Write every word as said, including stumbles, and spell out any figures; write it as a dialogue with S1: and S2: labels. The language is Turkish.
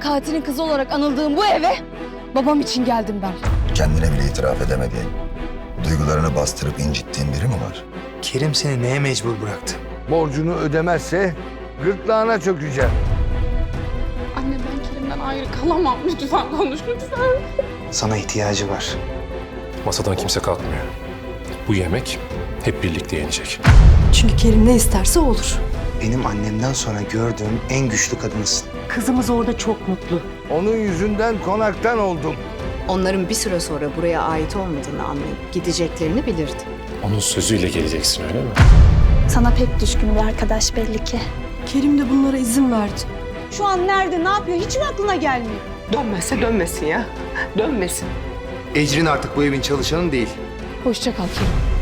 S1: katilin kızı olarak anıldığım bu eve babam için geldim ben.
S2: Kendine bile itiraf edemediğin, duygularını bastırıp incittiğin biri mi var?
S3: Kerim seni neye mecbur bıraktı?
S4: Borcunu ödemezse gırtlağına çökeceğim.
S5: Anne ben Kerim'den ayrı kalamam. Lütfen konuş lütfen.
S3: Sana ihtiyacı var.
S6: Masadan kimse kalkmıyor. Bu yemek hep birlikte yenecek.
S7: Çünkü Kerim ne isterse olur.
S3: Benim annemden sonra gördüğüm en güçlü kadınsın.
S8: Kızımız orada çok mutlu.
S4: Onun yüzünden konaktan oldum.
S9: Onların bir süre sonra buraya ait olmadığını anlayıp gideceklerini bilirdi.
S6: Onun sözüyle geleceksin, öyle mi?
S10: Sana pek düşkün bir arkadaş belli ki.
S7: Kerim de bunlara izin verdi.
S1: Şu an nerede, ne yapıyor hiç mi aklına gelmiyor?
S8: Dönmezse dönmesin ya. Dönmesin.
S3: Ecrin artık bu evin çalışanı değil.
S1: Hoşça kal Kerim.